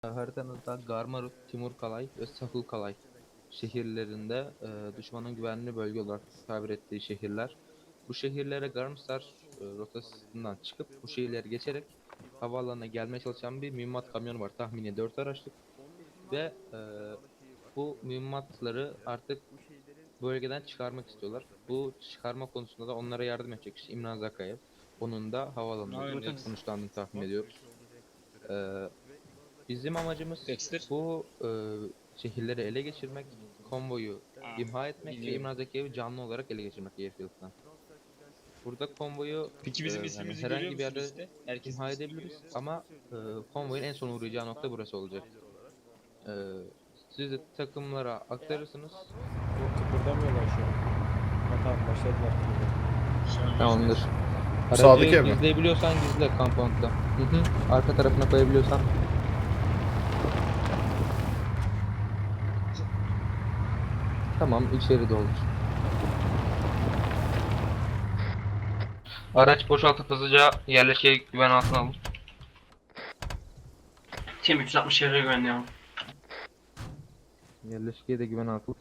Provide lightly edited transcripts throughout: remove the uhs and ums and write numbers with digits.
Haritanızda Garmaruk, Timurkalay ve Safulkalay şehirlerinde düşmanın güvenli bölge olarak tabir ettiği şehirler. Bu şehirlere Garmstar rotasından çıkıp bu şehirleri geçerek havaalanına gelmeye çalışan bir mühimmat kamyonu var. Tahmini 4 araçlık ve bu mühimmatları artık bölgeden çıkarmak istiyorlar. Bu çıkarma konusunda da onlara yardım edecek kişi İmran Zakayev. Onun da havaalanında sonuçlandığını tahmin ediyoruz. E, Bizim amacımız Dexter. bu şehirleri ele geçirmek, konvoyu imha etmek ve Biliyorum. İmran Zekiyev'i canlı olarak ele geçirmek Airfield'dan. Burada konvoyu Peki bizim yani ismimizi görüyor herhangi bir musun yerde liste? Herkesin imha ismini edebiliriz görüyor musun? ama konvoyun en son uğrayacağı nokta burası olacak. E, Siz de takımlara aktarırsınız. Yok, kıpırdamıyorlar şu an. Ha, tamam, başladılar. Şu an Tamamdır. Sağdaki Aracı ev mi? gizleyebiliyorsan gizle kampanda. Hı hı. Arka tarafına koyabiliyorsan. Tamam, içeri doldur. Araç boşaltıp hızlıca yerleşke güven altına alın. Tim 360 çevre güvenliği ama. Yerleşkeye de güven altına.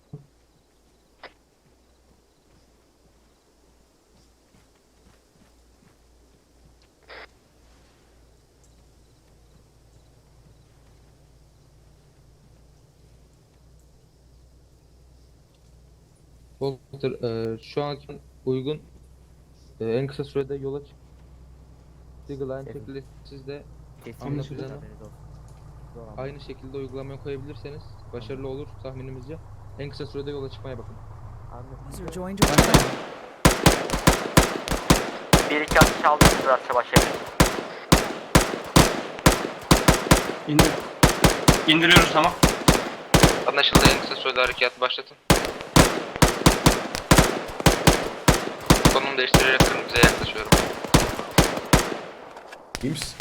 Walter, şu anki uygun en kısa sürede yola çık. Eagle aynı şekilde siz de hamle planı aynı şekilde uygulamaya koyabilirseniz başarılı olur tahminimizce. En kısa sürede yola çıkmaya bakın. User joined your channel. 1-2 atış aldınız biraz savaş yapın. İndiriyoruz tamam. Anlaşıldı, en kısa sürede harekat başlatın. Konum değiştirerek kırmızıya yaklaşıyorum. İyi misin?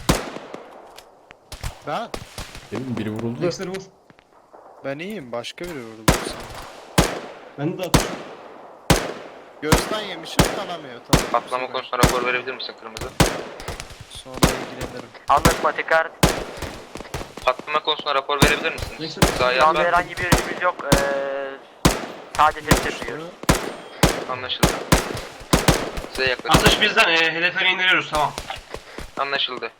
Ben? Demin biri vuruldu da. Dexter vur. Ben iyiyim. Başka biri vurdu sana. Ben de atış. Göğüsten yemişim kanamıyor. Tamam. Patlama Sonra- konusunda rapor verebilir misin kırmızı? Sonra ilgilenirim. Anlaşma tekrar. Patlama konusunda rapor verebilir misiniz? Neyse. Sağ Şu anda ayaklar. herhangi bir ürünümüz yok. Sadece test yapıyoruz. Anlaşıldı. Size yaklaşın. Atış bizden. Hedefe indiriyoruz tamam. Anlaşıldı.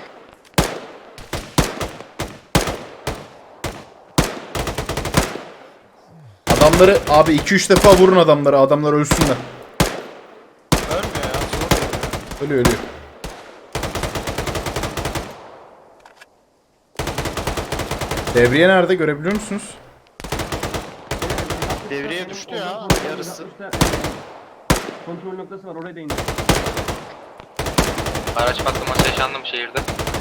Adamları abi 2-3 defa vurun adamları. Adamlar ölsünler. Ölmüyor ya. Zor. Ölüyor ölüyor. Devriye nerede görebiliyor musunuz? Devreye düştü ya. Yarısı. Kontrol noktası var, oraya da indir. Araç patlaması yaşandı mı şehirde?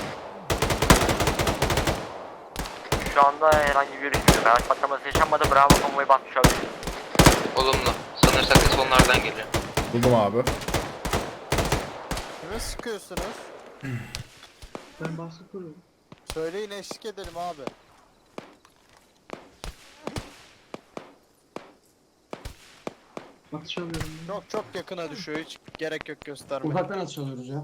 Şu anda herhangi bir ürünümüz yok. Araç patlaması yaşanmadı. Bravo, konvoyu batmış olabilir. Olumlu. Sanırsak ses onlardan geliyor. Buldum abi. Kime sıkıyorsunuz? Ben baskı kuruyorum. Söyleyin, eşlik edelim abi. Atış alıyorum. Çok yakına düşüyor. Hiç gerek yok göstermeye. Uzaktan atış alıyoruz ya.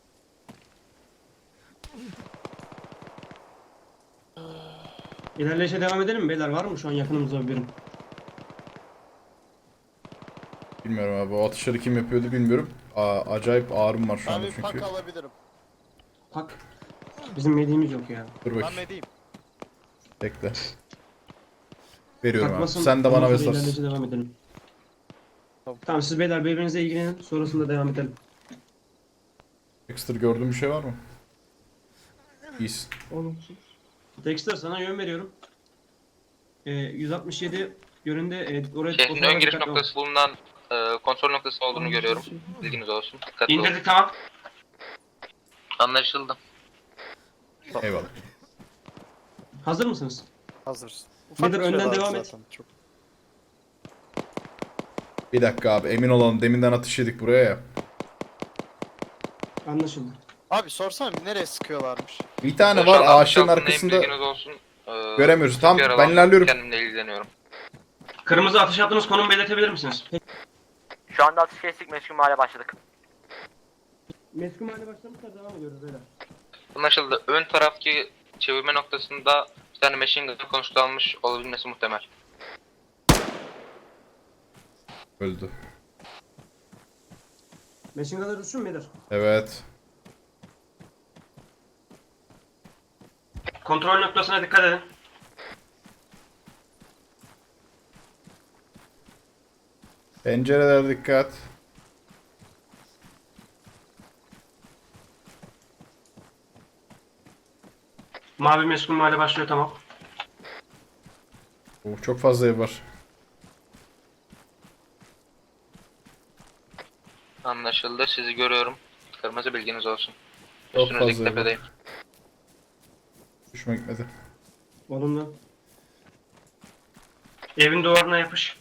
İlerleyişe devam edelim mi beyler? Var mı şu an yakınımızda bir birim? Bilmiyorum abi. O atışları kim yapıyordu bilmiyorum. Acayip ağrım var şu Ben anda bir pak çünkü. alabilirim. Hak. Bizim yediğimiz yok ya. Dur Ben bakayım. ne diyeyim? Bekle. Veriyorum abi. Takmasın. Sen de ondan bana sonra mesaj. ilerleyişe devam edelim. Tamam. Tamam, siz beyler birbirinize ilgilenin. Sonrasında devam edelim. Ekstra gördüğün bir şey var mı? İyisin. Olumsuz. Dexter, sana yön veriyorum. 167 yönünde oraya Şehrin o tarafa ön giriş dikkatli ol. noktası bulunan kontrol noktası olduğunu görüyorum. Bilginiz olsun. Dikkatli olun. İndirdik tamam. Anlaşıldı. Eyvallah. Hazır mısınız? Hazırız. Nedir, bir şey önden var devam et. zaten, çok. Bir dakika abi emin olalım. Deminden atış yedik buraya ya. Anlaşıldı. Abi sorsana bir, nereye sıkıyorlarmış? Bir tane var Boşalan ağaçların boşaltın, arkasında. bilginiz olsun. Göremiyoruz. Tamam, bir ben aralan, ilerliyorum. Kendimle ilgileniyorum. Kırmızı atış yaptığınız konumu belirtebilir misiniz? Şu anda atış kestik. Meşgul mahalle başladık. Meskun hale başlamışlar, devam ediyoruz beyler. Anlaşıldı. Ön taraftaki çevirme noktasında bir tane machine gun konuşlanmış olabilmesi muhtemel. Öldü. Machine gun'ı düşün müdür? Evet. Kontrol noktasına dikkat edin. Pencerelere dikkat. Mavi meskun mahalle başlıyor, tamam. Çok fazla ev var. Anlaşıldı. Sizi görüyorum. Kırmızı bilginiz olsun. Çok Üstünüzdeki fazla ev var. tepedeyim. Düşme gitmedi. Olumlu. Evin duvarına yapış.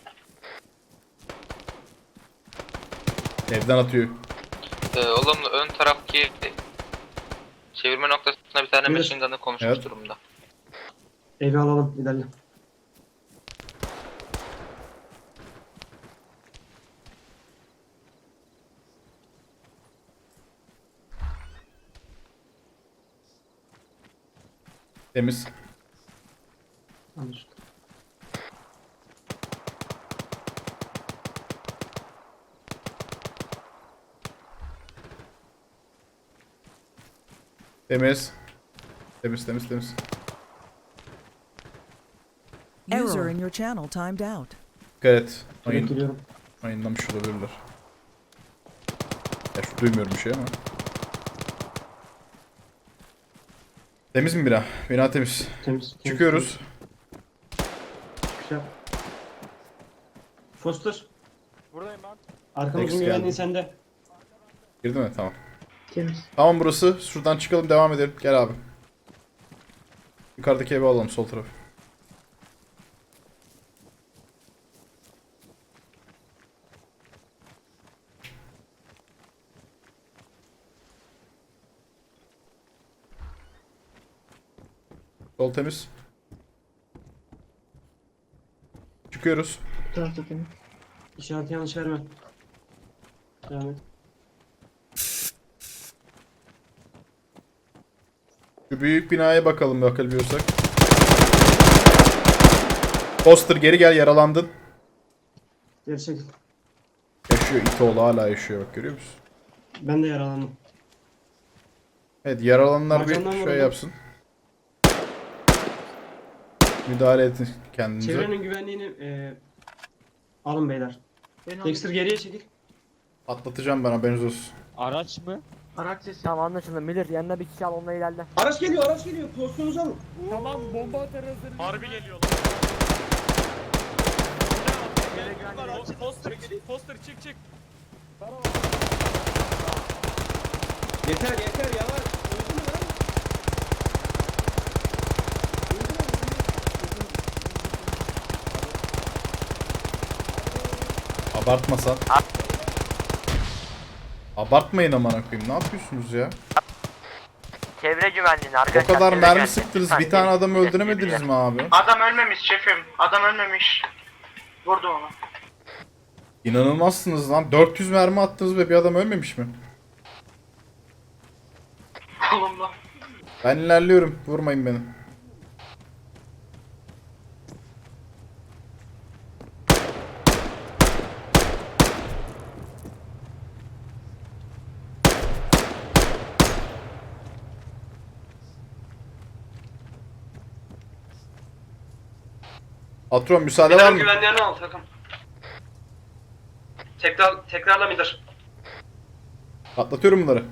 Evden atıyor. Olumlu ön taraftaki çevirme noktasında bir tane Buyur. machine gun'ı konuşmuş Evet. durumda. Evi alalım. İlerle. Temiz. Anlaşıldı. Temiz. Temiz temiz temiz. User in your channel timed out. Dikkat et. Direkt giriyorum. Mayınlamış olabilirler. Ya şu duymuyorum bir şey ama. Temiz mi bina? Bina temiz. Temiz. Çıkıyoruz. Güzel. Foster. Buradayım ben. Arkamızın Text güvenliği geldi. sende. Girdi mi? Tamam. Temiz. Tamam burası. Şuradan çıkalım devam edelim. Gel abi. Yukarıdaki evi alalım sol taraf. Sol temiz. Çıkıyoruz. Bu tarafta temiz. İşareti yanlış verme. Devam et. Şu büyük binaya bakalım bakabiliyorsak. Foster geri gel, yaralandın. Geri çekil. Yaşıyor, İtoğlu hala yaşıyor, bak görüyor musun? Ben de yaralandım. Evet, yaralananlar bir Arkamdan şey vuruldu. yapsın. Müdahale edin kendinize. Çevrenin güvenliğini alın beyler. Dexter geriye çekil. Atlatacağım ben, haberiniz olsun. Araç mı? Araç sesi. Tamam anlaşıldı. Miller yanına bir kişi al onunla ilerle. Araç geliyor, araç geliyor. Pozisyonunuzu alın. Tamam bomba atar hazır. Harbi geliyorlar. Poster çık çık. Yeter yeter yavaş. Öldü mü lan? Abartmasan. Abartmayın amına koyayım, ne yapıyorsunuz ya? Çevre güvenliğini O arkadaşlar. kadar çevre mermi güvenliği. sıktınız, Lütfen bir tane geri- adamı geri- öldüremediniz geri- mi abi? Adam ölmemiş şefim. Adam ölmemiş. Vurdu onu. İnanılmazsınız lan, 400 mermi attınız ve bir adam ölmemiş mi? Olumlu. Ben ilerliyorum, vurmayın beni. Patron müsaade var Midar'ın mı? güvenliğini al takım. Tekrarla Midar. Atlatıyorum bunları.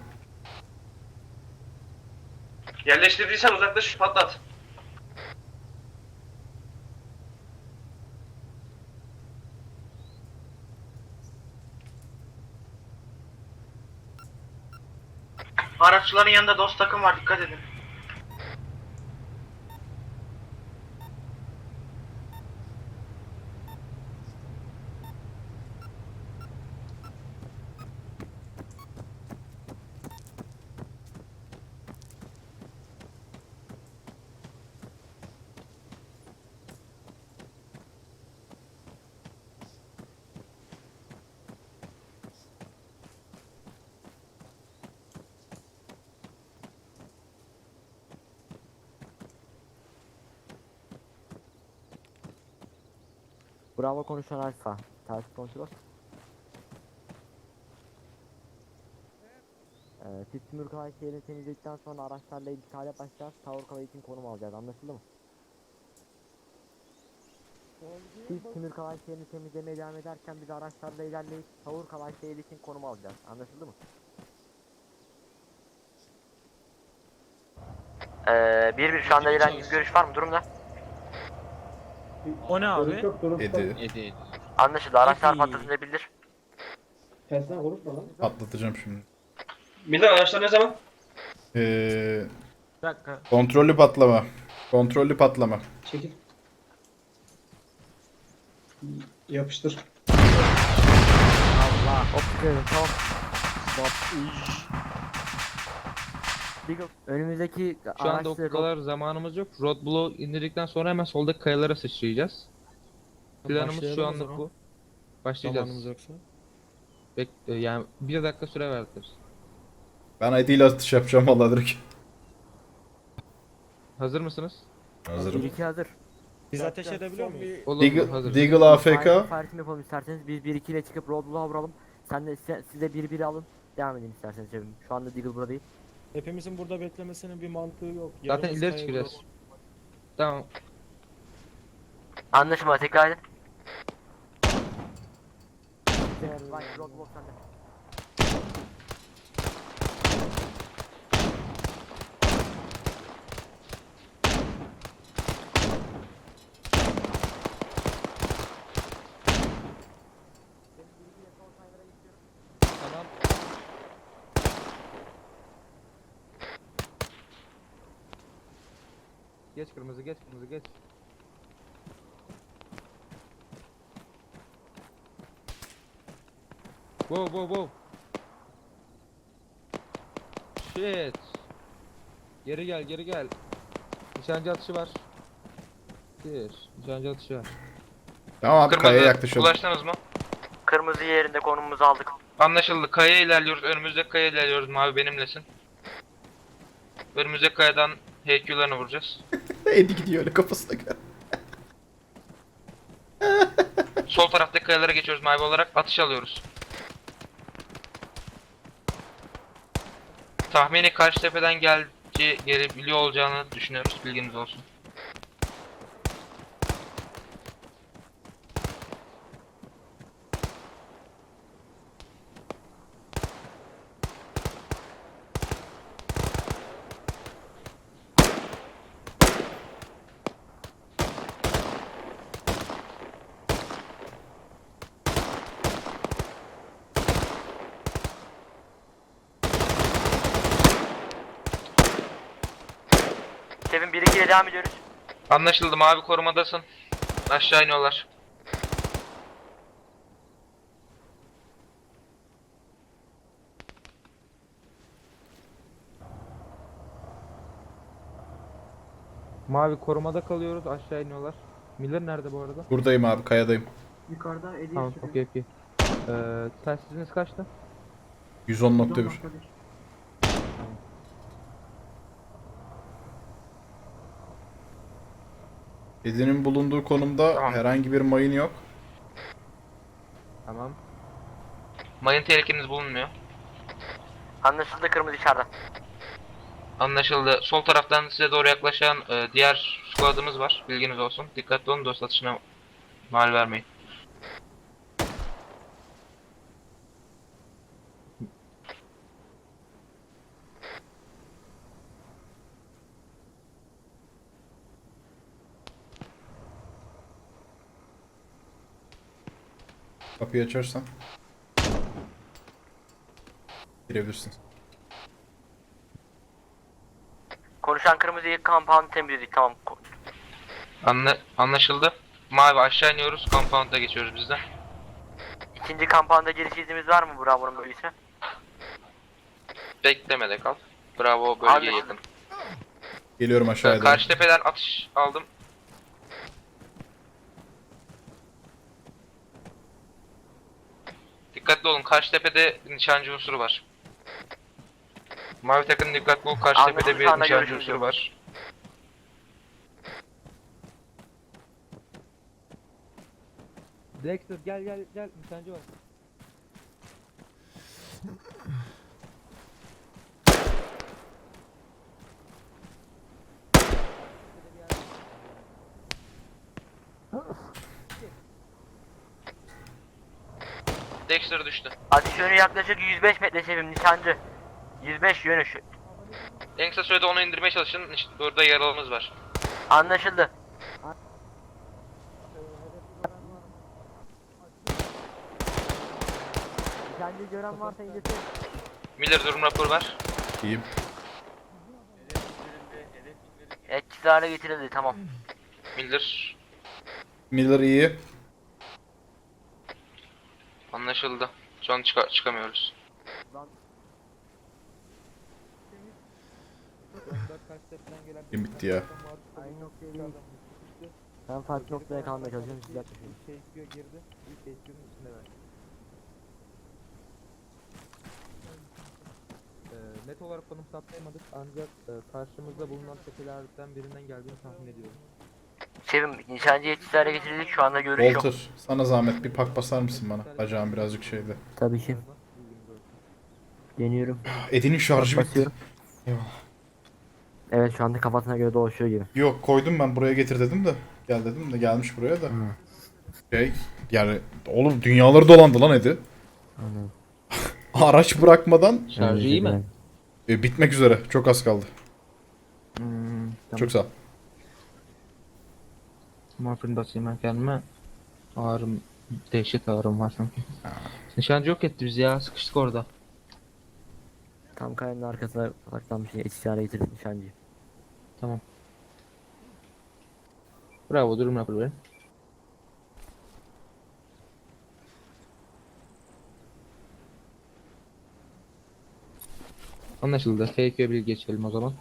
Yerleştirdiysen uzaklaş patlat. Araçların yanında dost takım var, dikkat edin. Bravo konuşan Alfa. Ters kontrol. Siz Timur Kalay şehrini temizledikten sonra araçlarla ilgili başlayacağız. Tower Kalay için konum alacağız. Anlaşıldı mı? Siz Timur Kalay şehrini temizlemeye devam ederken biz araçlarla ilerleyip Tower Kalay şehri için konum alacağız. Anlaşıldı mı? Bir şu anda herhangi bir görüş var mı durumda? O ne abi? Edi. Anlaşıldı. Araçlar Peki. patlatınca bildir. Kendisinden konuşma lan. Patlatacağım şimdi. Beyler araçlar ne zaman? Bir dakika. Kontrollü patlama. Kontrollü patlama. Çekil. Yapıştır. Allah. Optiklerim tamam. Beagle, önümüzdeki Şu anda o araçları kadar zamanımız yok. Roadblock'u indirdikten sonra hemen soldaki kayalara sıçrayacağız. Planımız şu Başlayalım o anlık zaman. bu. Başlayacağız. Zamanımız yoksa. Yani 1 dakika süre verdiler. Ben Edi ile atış yapacağım vallahi direkt. Hazır mısınız? Hazırım. 1-2 hazır. Biz ateş edebiliyor muyuz? Olur, Deagle, hazır. Deagle AFK. Farkını yapalım isterseniz. Biz 1-2 ile çıkıp roadblock'a vuralım. Siz de 1-1 alın. Devam edin isterseniz cebim. Şu anda Deagle burada değil. Hepimizin burada beklemesinin bir mantığı yok. Zaten Yarımız ileri kaya çıkacağız. vuralım. Tamam. Anlaşılma tekrar edin. Bak roadblock sende. Tamam. Geç kırmızı, geç kırmızı, geç. Wow, wow, wow. Shit. Geri gel, geri gel. Nişancı atışı var. Nişancı atışı var. Tamam abi kayaya yaklaşalım. Ulaştınız mı? Kırmızı yerinde konumumuzu aldık. Anlaşıldı. Kayaya ilerliyoruz. Önümüzdeki kayaya ilerliyoruz. Mavi benimlesin. Önümüzdeki kayadan HQ'larını vuracağız. Edi gidiyor öyle kafasına göre. Sol taraftaki kayalara geçiyoruz mavi olarak. Atış alıyoruz. Tahmini karşı tepeden gelebiliyor olacağını düşünüyoruz. Bilginiz olsun. Kevin 1-2 ile devam ediyoruz. Anlaşıldı. Mavi korumadasın. Aşağı iniyorlar. Mavi korumada kalıyoruz. Aşağı iniyorlar. Miller nerede bu arada? Buradayım abi kayadayım. Yukarıda Eddie Tamam, okey. Telsiziniz kaçtı? 110.1. Edi'nin bulunduğu konumda Tamam. herhangi bir mayın yok. Tamam. Mayın tehlikeniz bulunmuyor. Anlaşıldı kırmızı içeride. Anlaşıldı. Sol taraftan size doğru yaklaşan diğer squad'ımız var. Bilginiz olsun. Dikkatli olun, dost atışına mal vermeyin. Kapıyı açarsan. Girebilirsin. Konuşan kırmızıyı compound temizledik tamam. Anlaşıldı. Mavi aşağı iniyoruz. Compound'a geçiyoruz biz de. İkinci compound'a giriş iznimiz var mı Bravo'nun bölgesine? Beklemede kal. Bravo bölgeye Anlaşıldı. yakın. Geliyorum aşağıya doğru. Karşı tepeden atış aldım. Dikkatli olun. Karşı tepede nişancı unsuru var. Mavi takım dikkatli ol. Karşı Anlaşıldı, tepede bir şu anda nişancı görüşürüz. unsuru var. Dexter gel gel gel. Nişancı var. Dexter düştü. Atış yönü yaklaşık 105 metre şefim nişancı. 105 yönü şu. En kısa sürede onu indirmeye çalışın. İşte burada yaralımız var. Anlaşıldı. Nişancı gören varsa indirsin. Miller durum raporu ver. İyiyim. Etkisiz hale getirildi tamam. Miller Miller iyi. anlaşıldı. Şu an çıkamıyoruz. Kim bitti ya? Aynı noktaya değil. Ben farklı noktaya kalmaya çalışıyorum siz yaklaşın. Teşkiye girdi. Bir teşkiyenin içinde ver. Net olarak konum saptayamadık ancak karşımızda bulunan tepelerden birinden geldiğini tahmin ediyorum. Şefim nişancı etkisiz hale getirildik şu anda görüş yok. Walter sana zahmet bir pak basar mısın bana? Bacağım birazcık şeydi. Tabii ki. Deniyorum. Edin'in şarjı bitti. Basıyorum. Evet şu anda kafasına göre dolaşıyor gibi. Yok koydum ben buraya getir dedim de. Gel dedim de gelmiş buraya da. Şey yani oğlum dünyaları dolandı lan Edi. Anladım. Araç bırakmadan Şarjı iyi mi? bitmek üzere. Çok az kaldı. Tamam. Çok sağ ol. Morfin basayım ben kendime. Ağrım, dehşet ağrım var çünkü. Nişancı yok etti bizi ya, sıkıştık orada. Tam kayanın arkasına saklanmış etkisiz hale getirdik nişancıyı. Tamam. Bravo, durum raporu verin. Anlaşıldı. F2'ye bir geçelim o zaman.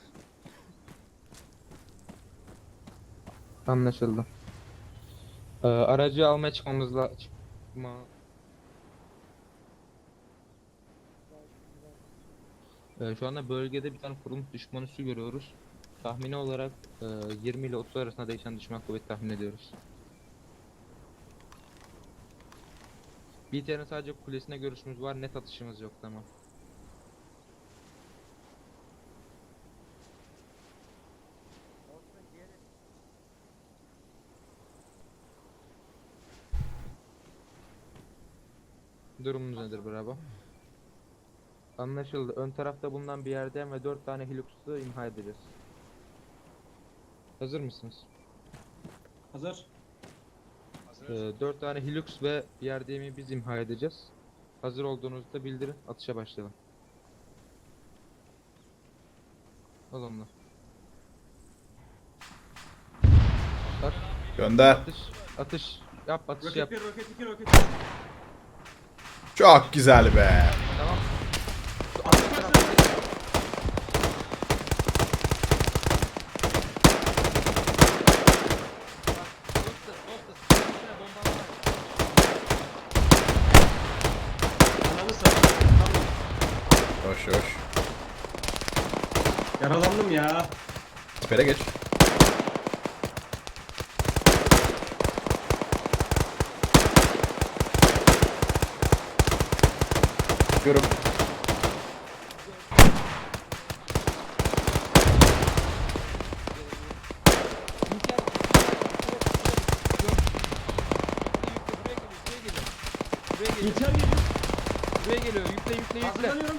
Anlaşıldı. Aracı almaya şu anda bölgede bir tane kurulmuş düşman üssü görüyoruz. Tahmini olarak 20 ile 30 arasında değişen düşman kuvveti tahmin ediyoruz. BTR'ın sadece kulesine görüşümüz var, net atışımız yok, tamam. Durumunuz nedir bravo? Anlaşıldı. Ön tarafta bulunan bir yerden ve 4 tane Hilux'u imha edeceğiz. Hazır mısınız? Hazır. 4 tane Hilux ve bir yerdemi biz imha edeceğiz. Hazır olduğunuzda bildirin. Atışa başlayalım. Olumlu. Start. Gönder. Atış. Atış. Yap atış Roket yap. 1, roket 2, roket 3. Çok güzel be. Tamam. Ananı satayım. Hoş hoş. Yaralandım ya. Sipere geç. Görüm. İlker geliyor. Buraya geliyor. Yükle yükle yükle. Hazırlanıyorum.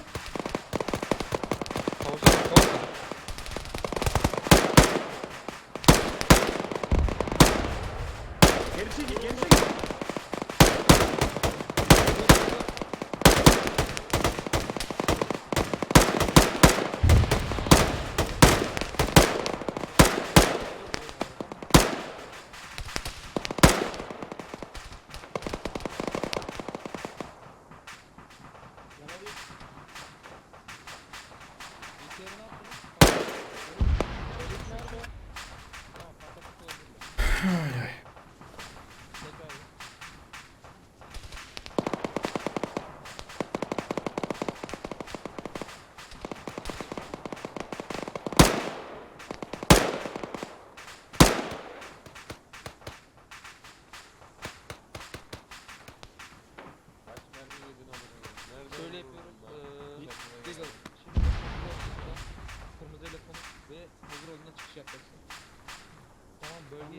Havuza. Geri çekil, geri çekil.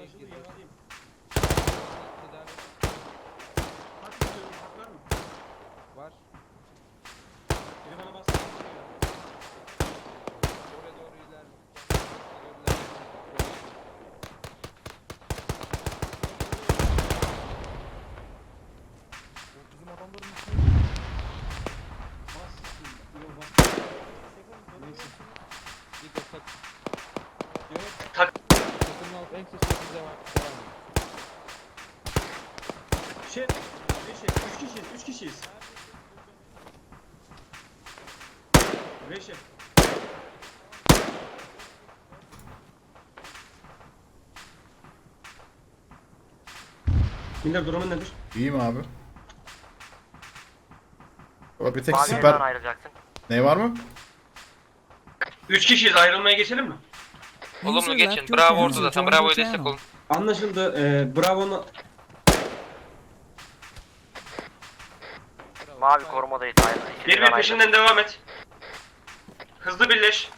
Anlaşıldı, girdi. yaralıyım. Tedavi Hak istiyorum, hak var mı? var. Biri bana bastı. Oraya doğru ilerle. Bizim adamların Bas. Yok, bas. Neyse. Bir de Yok. takımın alt en sesli devam. Şey, 3 kişiyiz, 3 kişiyiz. Reşef. Miller durumun nedir? İyiyim abi. Baba bir tek Mavi siper... evden ayrılacaksın. Ne var mı? 3 kişiyiz, ayrılmaya geçelim mi? User Olumlu left geçin. your Bravo channel. orada zaten. Joined Bravo'ya your destek channel. olun. Anlaşıldı. Bravo'nun... Mavi korumadayız ayrılın. Bir peşinden devam et. Hızlı birleş.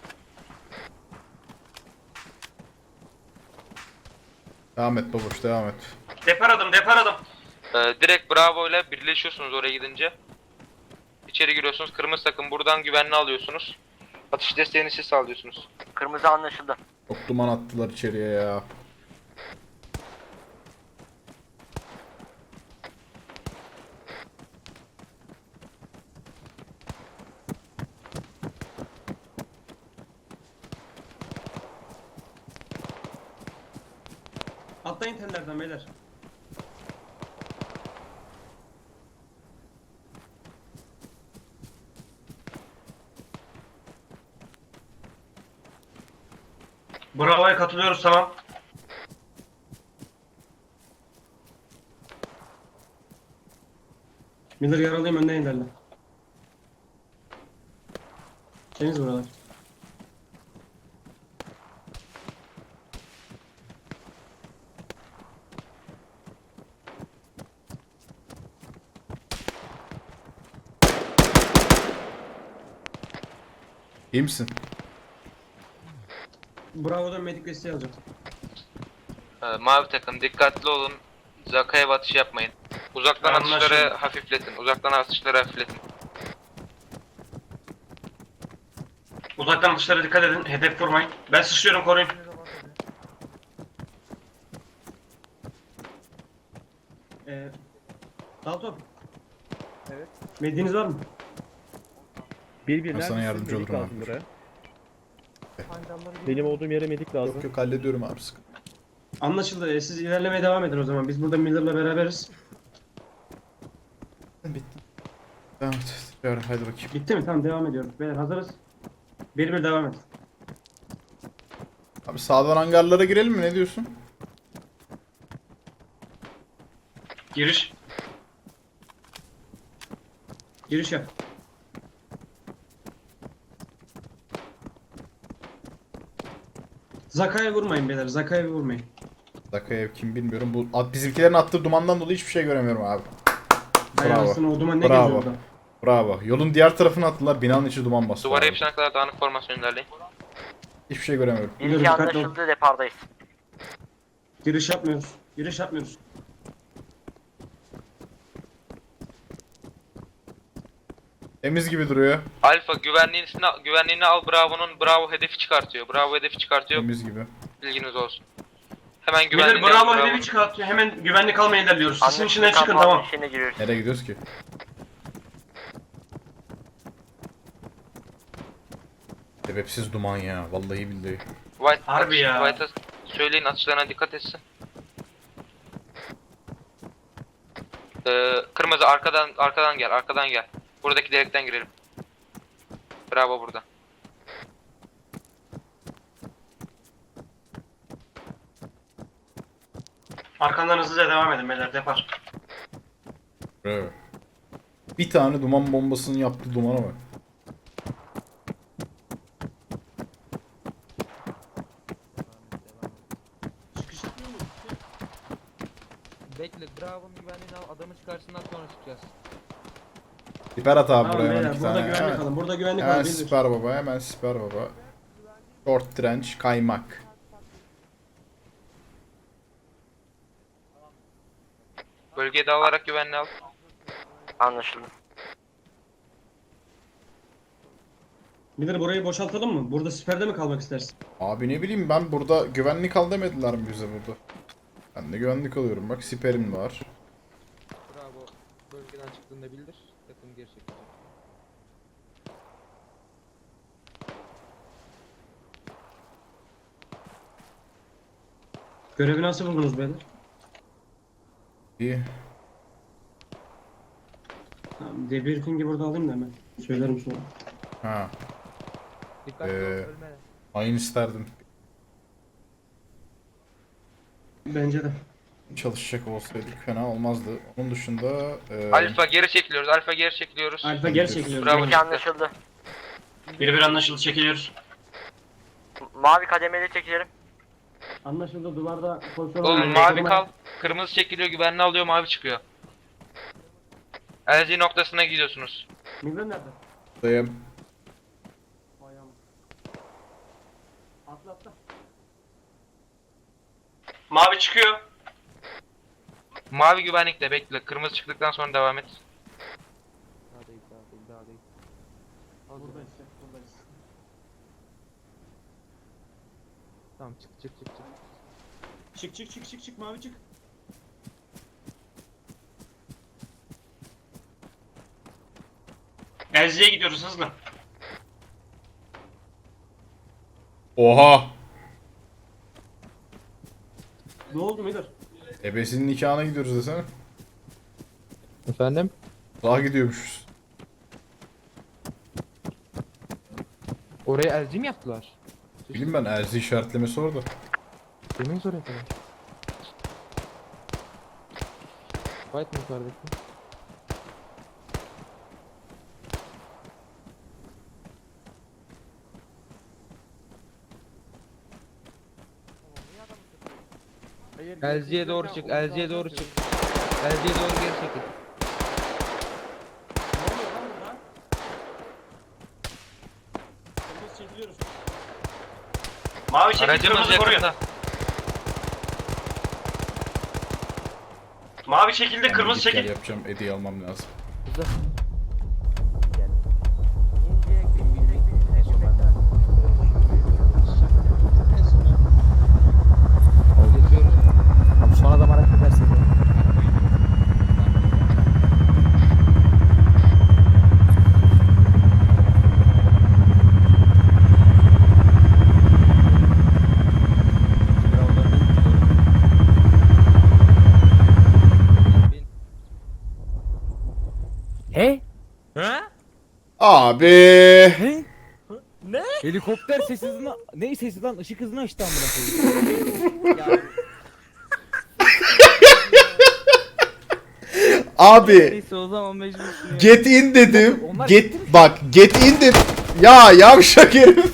Devam et babuş, devam et. Depar adım, depar adım. Direkt Bravo ile birleşiyorsunuz oraya gidince. İçeri giriyorsunuz. Kırmızı takım buradan güvenli alıyorsunuz. Atış desteğini siz sağlıyorsunuz. Kırmızı anlaşıldı. Çok duman attılar içeriye ya. Atlayın tellerden beyler. Bravo'ya katılıyoruz, tamam. Miller yaralıyım, önden ilerle. Temiz buralar. İyi misin? Bravo'dan medik desteği alacağım. Mavi takım dikkatli olun. Zaka'ya batış yapmayın. Uzaktan Anlaşıldı. atışları hafifletin. Uzaktan atışları hafifletin. Uzaktan dışarı dikkat edin, hedef vurmayın. Ben sıçrıyorum, koruyun. Dalton. Evet. Mediniz var mı? Bir Ben sana yardımcı medik olurum lazım abi. buraya. Benim olduğum yere medik lazım. Yok yok hallediyorum abi, sıkıntı. Anlaşıldı. Siz ilerlemeye devam edin o zaman. Biz burada Miller'la beraberiz. Bitti. Devam et. Yarın hadi bakayım. Bitti mi? Tamam, devam ediyoruz. Beyler hazırız. Bir devam et. Abi sağdan hangarlara girelim mi? Ne diyorsun? Giriş. Giriş yap. Zaka'ya vurmayın beyler. Zaka'ya vurmayın. Dakika kim bilmiyorum. Bu bizimkilerin attığı dumandan dolayı hiçbir şey göremiyorum abi. Hay Bravo. anasını, o duman ne Bravo. geziyor orada? Bravo. Yolun diğer tarafına attılar. Binanın içi duman bastı. Duvara abi. yapışana kadar dağınık formasyon ilerleyin. Hiçbir şey göremiyorum. Bir Dur, iki dikkatli ol. anlaşıldı, depardayız. Giriş yapmıyoruz. Giriş yapmıyoruz. Temiz gibi duruyor. Alfa güvenliğini al. Bravo hedefi çıkartıyor. Bravo hedefi çıkartıyor. Temiz gibi. Bilginiz olsun. Hemen Miller güvenliğini al. bravo Bravo. hedefi çıkartıyor. Hemen güvenlik almaya ilerliyoruz. Sisin Anlaşıldı, içinden çıkın, kampanya tamam. içine giriyoruz. Nereye gidiyoruz ki? Sebepsiz duman ya. Vallahi billahi. Harbi ya. White'a söyleyin atışlarına dikkat etsin. Kırmızı arkadan gel. Buradaki delikten girelim. Bravo burada. Arkandan hızlıca devam edin beyler. Depar. Evet. Bir tane duman bombasının yaptığı dumana bak. Bekle, Bravo'nun güvenliğini al, adamı çıkarsınlar sonra çıkacağız. Siper at abi Tamam buraya hemen beyler, iki burada tane. güvenlik Hemen, alın. Burada güvenlik hemen alın. Bildir. siper baba, hemen siper baba. Short trench, kaymak. Bölgeye dağılarak güvenli al. Anlaşıldı. Bilir burayı boşaltalım mı? Burada siperde mi kalmak istersin? Abi ne bileyim ben burada güvenlik al demediler mi bize burada? Ben de güvenlik alıyorum. Bak siperim var. Bravo. Bölgeden çıktığında bildir. Takım geri çekilecek. Görevi nasıl buldunuz beyler? İyi. Tamam, debriefing'i burada alayım da hemen. Söylerim sonra. Ha. Dikkatli ol, Ee, ölme. Aynı isterdim. Bence de. Çalışacak olsaydık fena olmazdı. Onun dışında Alfa geri çekiliyoruz. Alfa geri çekiliyoruz. Alfa geri çekiliyoruz. Bravo. Peki anlaşıldı. Bir anlaşıldı, çekiliyoruz. Mavi kademeli çekilelim. Anlaşıldı, duvarda pozisyon Oğlum almayın. mavi kal. Kırmızı çekiliyor, güvenli alıyor, mavi çıkıyor. LZ noktasına gidiyorsunuz. Migren nerede? buradayım. Ayağım. Atla atla. Mavi çıkıyor. Mavi güvenlikte bekle. Kırmızı çıktıktan sonra devam et. Daha değil, daha değil, daha değil. Al Buradayız, canım. buradayız. Tamam çık çık çık çık. Çık çık çık çık çık, mavi çık. Elzi'ye gidiyoruz hızlı. Oha! Ne oldu Miller? Ebesinin nikahına gidiyoruz desene. Efendim? Daha gidiyormuşuz. Oraya elci mi yaptılar? Bileyim ben Erzi işaretlemesi orada. Demeyiz oraya kadar. Fight mı yukarıdaki? LG'ye doğru çık, LG'ye doğru çık. LG'ye doğru geri çekil. Ne oluyor lan burada? Biz çekiliyoruz. Mavi çekil, Aracımız kırmızı koruyun. yakında. Mavi çekildi, Ben kırmızı git gel çekil. yapacağım. Hediye almam lazım. Geçiyoruz. Abi son adam hareket edersin. He? Abi. He? Ne? Helikopter ses hızına... Ne sesi lan? Işık hızını açtı amına koyayım. Abi. Neyse o zaman mecbursun ya. Get in dedim. Onlar Get bak get in dedim. Ya yavşak herif.